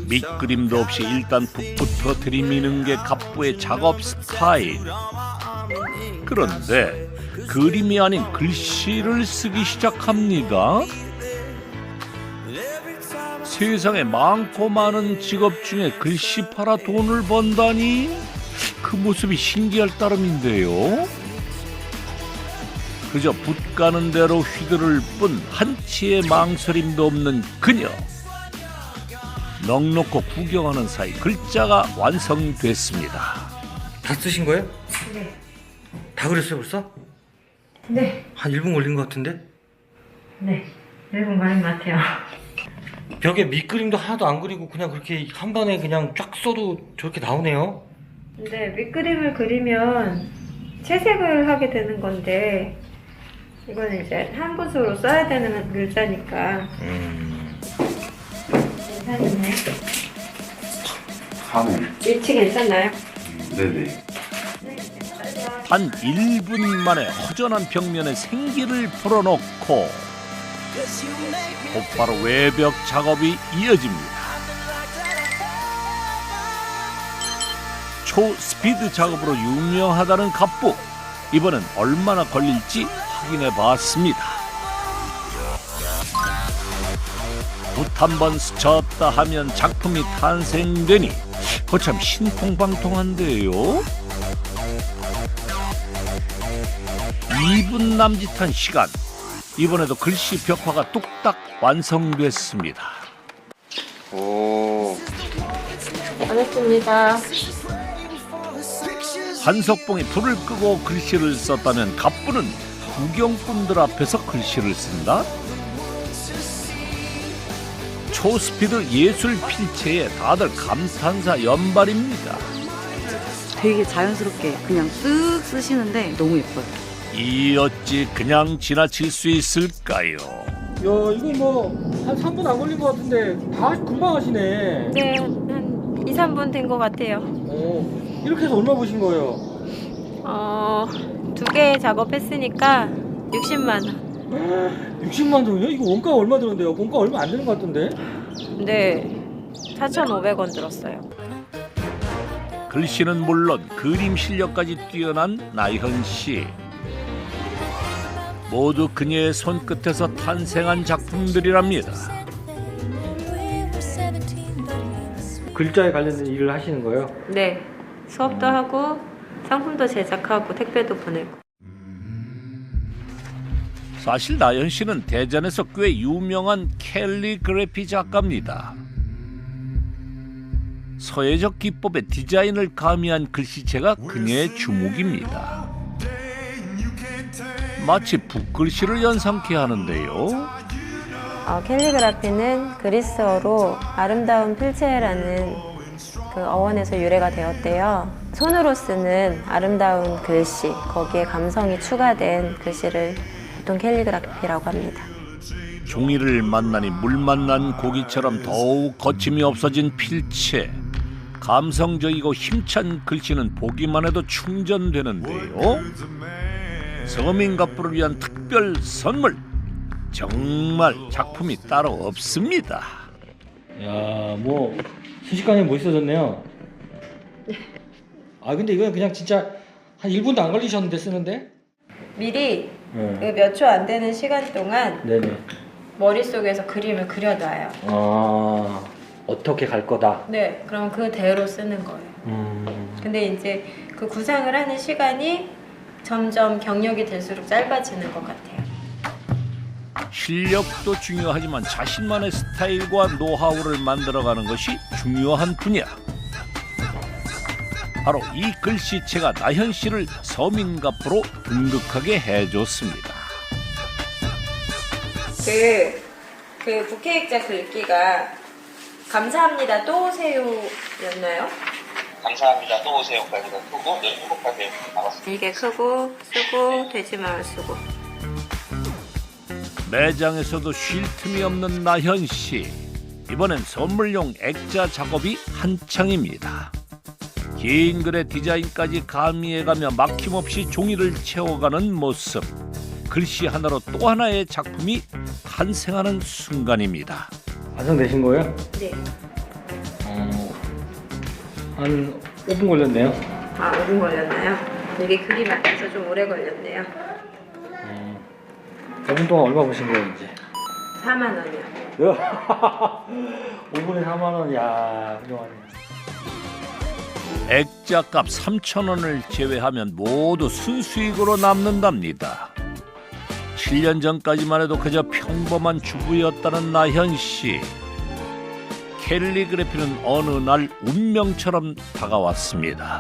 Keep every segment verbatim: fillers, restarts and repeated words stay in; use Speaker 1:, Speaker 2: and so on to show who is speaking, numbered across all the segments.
Speaker 1: 밑그림도 없이 일단 붓부터 들이미는 게 갑부의 작업 스타일. 그런데 그림이 아닌 글씨를 쓰기 시작합니다. 세상에 많고 많은 직업 중에 글씨 팔아 돈을 번다니 그 모습이 신기할 따름인데요. 그저 붓 가는 대로 휘두를 뿐 한치의 망설임도 없는 그녀. 넉넉고 구경하는 사이 글자가 완성됐습니다.
Speaker 2: 다 쓰신 거예요?
Speaker 3: 네.
Speaker 2: 다 그렸어요 벌써?
Speaker 3: 네.
Speaker 2: 한 일 분 걸린 것 같은데?
Speaker 3: 네. 일 분 걸린 것 같아요.
Speaker 2: 벽에 밑그림도 하나도 안 그리고 그냥 그렇게 한 번에 그냥 쫙 써도 저렇게 나오네요.
Speaker 3: 근데 밑그림을 그리면 채색을 하게 되는 건데 이거는 이제 한 붓으로 써야 되는 글자니까
Speaker 2: 음...
Speaker 3: 괜찮네.
Speaker 4: 하네.
Speaker 3: 위치 괜찮나요?
Speaker 4: 네네.
Speaker 1: 단 일 분 만에 허전한 벽면에 생기를 불어넣고 곧바로 외벽 작업이 이어집니다. 초스피드 작업으로 유명하다는 갑부. 이번엔 얼마나 걸릴지 확인해 봤습니다. 붓 한 번 스쳤다 하면 작품이 탄생되니 거참 신통방통한데요. 이 분 남짓한 시간, 이번에도 글씨 벽화가 뚝딱 완성됐습니다.
Speaker 2: 오...
Speaker 3: 반갑습니다.
Speaker 1: 한석봉이 불을 끄고 글씨를 썼다면 갑부는 구경꾼들 앞에서 글씨를 쓴다? 초스피드 예술 필체에 다들 감탄사 연발입니다.
Speaker 5: 되게 자연스럽게 그냥 쓱 쓰시는데 너무 예뻐요.
Speaker 1: 이 어찌 그냥 지나칠 수 있을까요?
Speaker 2: 야 이거 뭐 한 삼 분 안 걸린 것 같은데 다 금방 하시네.
Speaker 3: 네, 한 이, 삼 분 된 것 같아요.
Speaker 2: 어, 이렇게 해서 얼마 보신 거예요?
Speaker 3: 어, 두 개 작업했으니까 육십만 원.
Speaker 2: 육십만 원이요? 이거 원가 얼마 들었는데요? 원가 얼마 안 되는 것 같던데?
Speaker 3: 네, 사천오백 원 들었어요.
Speaker 1: 글씨는 물론 그림 실력까지 뛰어난 나현 씨. 모두 그녀의 손끝에서 탄생한 작품들이랍니다.
Speaker 2: 글자에 관련된 일을 하시는 거예요?
Speaker 3: 네, 수업도 하고 상품도 제작하고 택배도 보내고.
Speaker 1: 사실 나연 씨는 대전에서 꽤 유명한 캘리그래피 작가입니다. 서예적 기법의 디자인을 가미한 글씨체가 그녀의 주목입니다. 마치 붓글씨를 연상케 하는데요.
Speaker 3: 어, 캘리그라피는 그리스어로 아름다운 필체라는 그 어원에서 유래가 되었대요. 손으로 쓰는 아름다운 글씨, 거기에 감성이 추가된 글씨를 보통 캘리그라피라고 합니다.
Speaker 1: 종이를 만나니 물 만난 고기처럼 더욱 거침이 없어진 필체. 감성적이고 힘찬 글씨는 보기만 해도 충전되는데요. 서민 갑부를 위한 특별 선물. 정말 작품이 따로 없습니다.
Speaker 2: 야, 뭐 순식간에 멋있어졌네요. 아, 근데 이건 그냥 진짜 한 일 분도 안 걸리셨는데 쓰는데?
Speaker 3: 미리
Speaker 2: 네.
Speaker 3: 몇 초 안 되는 시간 동안
Speaker 2: 네네.
Speaker 3: 머릿속에서 그림을 그려놔요.
Speaker 2: 아, 어떻게 갈 거다.
Speaker 3: 네, 그럼 그대로 쓰는 거예요.
Speaker 2: 음.
Speaker 3: 근데 이제 그 구상을 하는 시간이 점점 경력이 될수록 짧아지는 것 같아요.
Speaker 1: 실력도 중요하지만 자신만의 스타일과 노하우를 만들어가는 것이 중요한 분야. 바로 이 글씨체가 나현 씨를 서민갑부로 등극하게 해줬습니다.
Speaker 3: 그, 그 부케익자 글귀가 감사합니다 또 오세요였나요?
Speaker 6: 감사합니다. 또 오세요까지가 크고 늘 행복하세요 나갔습니다.
Speaker 3: 이게 크고 쓰고 되지 말 쓰고.
Speaker 1: 매장에서도 쉴 틈이 없는 나현 씨. 이번엔 선물용 액자 작업이 한창입니다. 긴 글의 디자인까지 가미해가며 막힘없이 종이를 채워가는 모습. 글씨 하나로 또 하나의 작품이 탄생하는 순간입니다.
Speaker 2: 완성되신 거예요?
Speaker 3: 네.
Speaker 2: 한 오 분 걸렸네요.
Speaker 3: 아, 오 분 걸렸나요? 이게 그림 앞에서 좀 오래 걸렸네요.
Speaker 2: 음. 오 분 동안 얼마 버신 거예요 이제?
Speaker 3: 사만 원이요.
Speaker 2: 오 분에 사만 원, 야 훌륭하네.
Speaker 1: 액자값 삼천 원을 제외하면 모두 순수익으로 남는답니다. 칠 년 전까지만 해도 그저 평범한 주부였다는 나현 씨. 캘리그래피는 어느 날 운명처럼 다가왔습니다.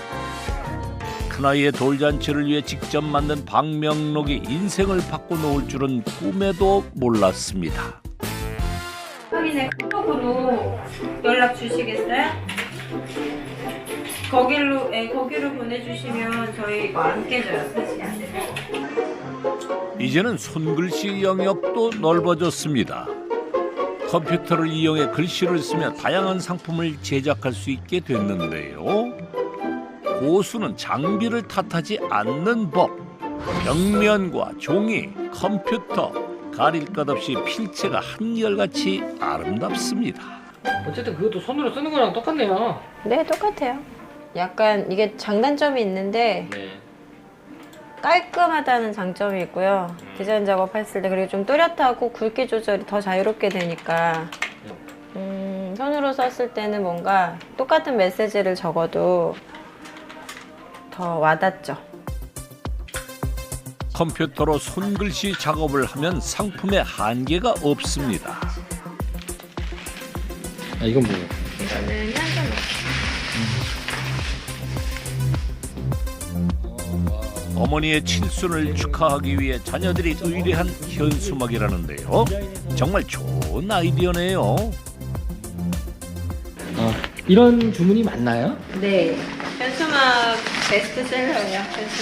Speaker 1: 큰아이의 돌잔치를 위해 직접 만든 방명록이 인생을 바꿔놓을 줄은 꿈에도 몰랐습니다.
Speaker 3: 확인해 카톡으로 연락 주시겠어요? 거기로 예, 거기로 보내주시면 저희 이거 안 깨져요, 사실.
Speaker 1: 이제는 손글씨 영역도 넓어졌습니다. 컴퓨터를 이용해 글씨를 쓰며 다양한 상품을 제작할 수 있게 됐는데요. 고수는 장비를 탓하지 않는 법. 벽면과 종이, 컴퓨터, 가릴 것 없이 필체가 한결같이 아름답습니다.
Speaker 2: 어쨌든 그것도 손으로 쓰는 거랑 똑같네요.
Speaker 3: 네, 똑같아요. 약간 이게 장단점이 있는데
Speaker 2: 네.
Speaker 3: 깔끔하다는 장점이 있고요. 디자인 작업했을 때 그리고 좀 또렷하고 굵기 조절이 더 자유롭게 되니까 음, 손으로 썼을 때는 뭔가 똑같은 메시지를 적어도 더 와닿죠.
Speaker 1: 컴퓨터로 손글씨 작업을 하면 상품에 한계가 없습니다.
Speaker 2: 아 이건 뭐예요?
Speaker 3: 이거는 현금.
Speaker 1: 어머니의 칠순을 축하하기 위해 자녀들이 의뢰한 현수막이라는데요. 정말 좋은 아이디어네요.
Speaker 2: 아 이런 주문이 맞나요?
Speaker 3: 네, 현수막 베스트셀러예요.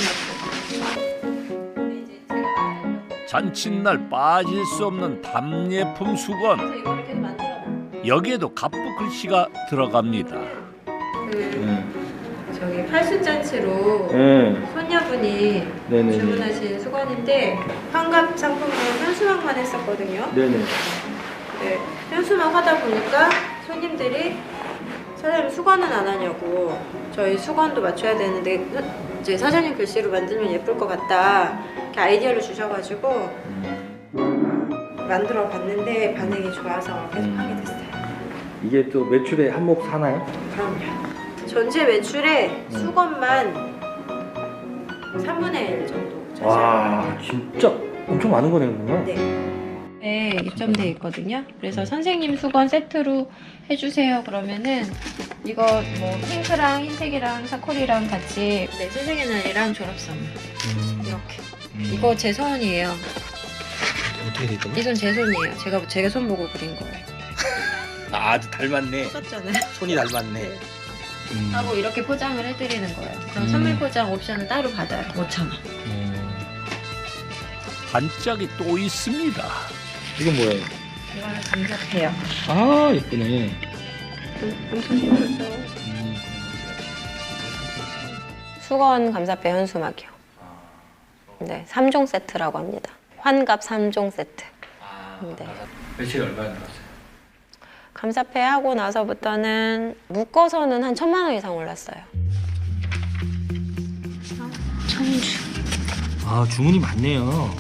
Speaker 3: 현수막.
Speaker 1: 잔칫날 빠질 수 없는 답례품 수건.
Speaker 3: 그래서 이거 이렇게 만들어놔.
Speaker 1: 여기에도 갑부 글씨가 들어갑니다.
Speaker 3: 그
Speaker 2: 네.
Speaker 3: 저기 팔순잔치로
Speaker 2: 네.
Speaker 3: 손녀분이
Speaker 2: 네네.
Speaker 3: 주문하신 수건인데 환갑 상품으로 현수막만 했었거든요.
Speaker 2: 네네.
Speaker 3: 네, 현수막 하다 보니까 손님들이 사장님 수건은 안 하냐고, 저희 수건도 맞춰야 되는데 이제 사장님 글씨로 만들면 예쁠 것 같다 이렇게 아이디어를 주셔가지고 만들어 봤는데 반응이 좋아서 계속
Speaker 2: 음.
Speaker 3: 하게 됐어요.
Speaker 2: 이게 또 매출에 한몫 하나요?
Speaker 3: 그럼요. 전체 매출의 수건만 삼분의 일 정도 차지합니다.
Speaker 2: 와 진짜 엄청 많은 거네요 그러면?
Speaker 3: 네. 네, 입점돼 있거든요. 그래서 선생님 수건 세트로 해주세요 그러면은 이거 뭐 핑크랑 흰색이랑 사콜이랑 같이 네, 선생의 날이랑 졸업 선물
Speaker 2: 음.
Speaker 3: 이렇게.
Speaker 2: 음.
Speaker 3: 이거 제 손이에요.
Speaker 2: 어떻게 됐죠?
Speaker 3: 이 손 제 손이에요. 제가 제가 손 보고 그린 거예요.
Speaker 2: 아 아주 닮았네.
Speaker 3: 썼잖아요.
Speaker 2: 손이 닮았네.
Speaker 3: 네.
Speaker 2: 음.
Speaker 3: 하고 이렇게 포장을 해드리는 거예요. 그럼
Speaker 2: 음.
Speaker 3: 선물 포장 옵션은 따로 받아요. 오천 원.
Speaker 2: 음.
Speaker 1: 반짝이 또 있습니다.
Speaker 2: 이건 뭐예요?
Speaker 3: 이거는 감사해요.
Speaker 2: 아 예쁘네.
Speaker 3: 엄청 예쁘죠.
Speaker 2: 음.
Speaker 3: 수건 감사패 현수막이요. 네, 삼 종 세트라고 합니다. 환갑 삼 종 세트.
Speaker 2: 아,
Speaker 3: 네.
Speaker 2: 며칠 얼마나 들었어요?
Speaker 3: 감사패 하고 나서부터는 묶어서는 한 천만 원 이상 올랐어요. 천주.
Speaker 2: 아 주문이 많네요.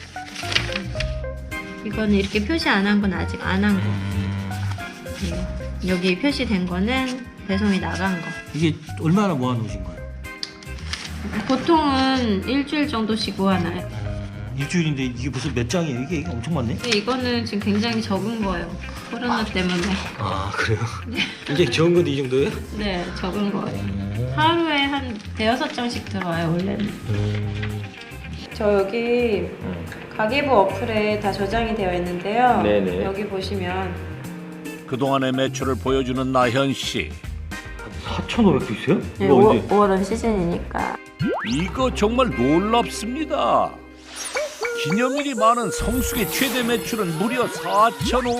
Speaker 3: 이거는 이렇게 표시 안 한 건 아직 안 한 거. 네. 여기 표시된 거는 배송이 나간 거.
Speaker 2: 이게 얼마나 모아놓으신 거예요?
Speaker 3: 보통은 일주일 정도씩 모아놔요.
Speaker 2: 일주일인데 이게 무슨 몇 장이에요? 이게, 이게 엄청 많네?
Speaker 3: 근데 이거는 지금 굉장히 적은 거예요. 코로나 때문에.
Speaker 2: 아 그래요? 이게 적은 건데 이 정도예요?
Speaker 3: 네, 적은 거예요. 하루에 한 대여섯 장씩 들어와요, 원래는.
Speaker 2: 음.
Speaker 3: 저 여기 가계부 어플에 다 저장이 되어 있는데요.
Speaker 2: 네네.
Speaker 3: 여기 보시면
Speaker 1: 그동안의 매출을 보여주는 나현 씨.
Speaker 2: 사천오백도 있어요?
Speaker 3: 네,
Speaker 2: 이거 언제?
Speaker 3: 오월은 시즌이니까.
Speaker 1: 이거 정말 놀랍습니다. 기념일이 많은 성수기 최대 매출은 무려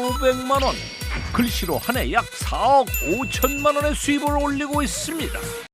Speaker 1: 사천오백만 원. 글씨로 한 해 약 사억 오천만 원의 수입을 올리고 있습니다.